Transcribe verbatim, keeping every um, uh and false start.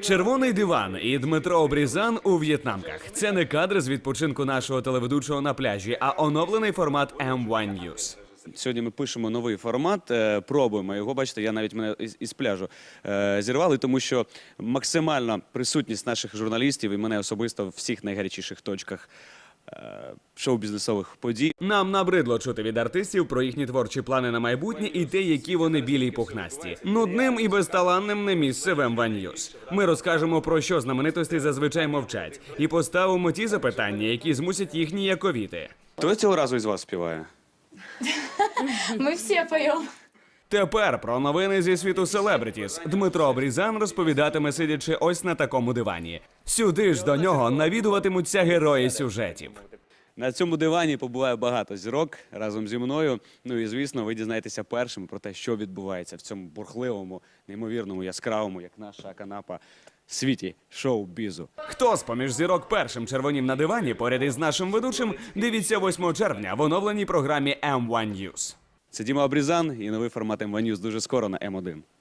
Червоний диван і Дмитро Обрізан у в'єтнамках. Це не кадри з відпочинку нашого телеведучого на пляжі, а оновлений формат ем один News. Сьогодні ми пишемо новий формат, е, пробуємо його. Бачите, я навіть мене із, із пляжу е, зірвали, тому що максимальна присутність наших журналістів і мене особисто в всіх найгарячіших точках е, шоу-бізнесових подій. Нам набридло чути від артистів про їхні творчі плани на майбутнє і те, які вони білі й пухнасті. Нудним і безталанним не місце в ем один News. Ми розкажемо, про що знаменитості зазвичай мовчать, і поставимо ті запитання, які змусять їх ніяковіти. Хто цього разу із вас співає? Мы все поем. Тепер про новини зі світу селебритіс. Дмитро Обрізан розповідатиме, сидячи ось на такому дивані. Сюди ж до нього навідуватимуться герої сюжетів. На цьому дивані побуває багато зірок разом зі мною. Ну і, звісно, ви дізнаєтеся першим про те, що відбувається в цьому бурхливому, неймовірному, яскравому, як наша канапа, світі шоу-бізу. Хто з поміж зірок першим червонів на дивані поряд із нашим ведучим, дивіться восьмого червня в оновленій програмі ем один News. Це Діма Обрізан і новий формат ем один News дуже скоро на ем один.